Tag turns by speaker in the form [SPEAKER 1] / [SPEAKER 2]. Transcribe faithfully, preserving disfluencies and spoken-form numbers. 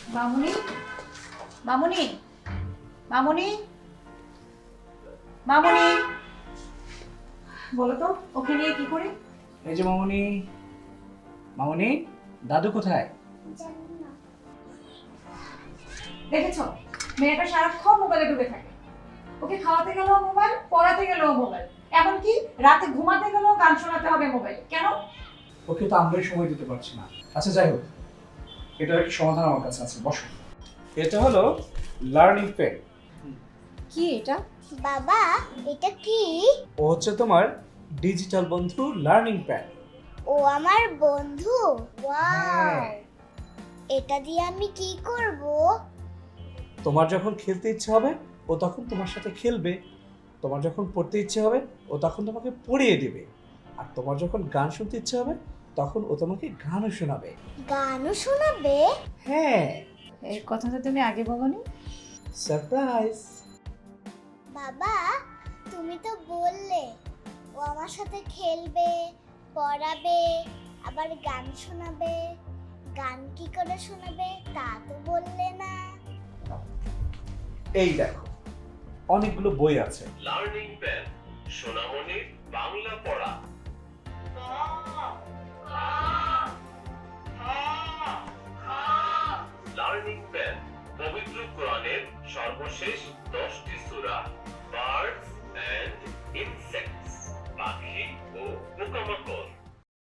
[SPEAKER 1] মামুনি, মামুনি, মামুনি, মামুনি, বলো তো ওকে নিয়ে কি করি?
[SPEAKER 2] এই যে মামুনি, মামুনি, দাদু কোথায়?
[SPEAKER 1] দেখেছো মেয়েটা সারাক্ষণ মোবাইলে ডুবে থাকে। ওকে খাওয়াতে গেলেও মোবাইল, পড়াতে গেলেও মোবাইল, এমনকি রাতে ঘুমাতে গেলেও গান শোনাতে হবে মোবাইল। কেন?
[SPEAKER 2] ওকে তো আমরাই সময় দিতে পারছি না। আচ্ছা যাই হোক, এটার একটা সমাধান আমার কাছে আছে, বসো। এটা হলো লার্নিং পেন।
[SPEAKER 1] কি এটা?
[SPEAKER 3] বাবা, এটা কি?
[SPEAKER 2] ও হচ্ছে তোমার ডিজিটাল বন্ধু লার্নিং প্যাড।
[SPEAKER 3] ও আমার বন্ধু। ওয়াও,
[SPEAKER 2] হ্যাঁ।
[SPEAKER 3] এটা দিয়ে আমি কি করব?
[SPEAKER 2] তোমার যখন খেলতে ইচ্ছে হবে ও তখন তোমার সাথে খেলবে, তোমার যখন পড়তে ইচ্ছে হবে ও তখন তোমাকে পড়িয়ে দিবে, আর তোমার যখন গান শুনতে ইচ্ছে হবে তখন ও তোমাকে গানও শোনাবে।
[SPEAKER 3] গানও শোনাবে?
[SPEAKER 2] হ্যাঁ,
[SPEAKER 1] এই কথা তো তুমি আগে বলোনি।
[SPEAKER 2] সারপ্রাইজ।
[SPEAKER 3] বাবা, তুমি তো বললে ও আমার সাথে খেলবে, পড়াবে, আবার গান শোনাবে। গান কি করে শোনাবে তা তো বললে না।
[SPEAKER 2] এই দেখো, অনেকগুলো বই আছে।
[SPEAKER 4] লার্নিং প্যান, সোনামণির বাংলা পড়া। লার্নিং প্যান, পবিত্র কোরআনের সর্বশেষ দশটি সূরা।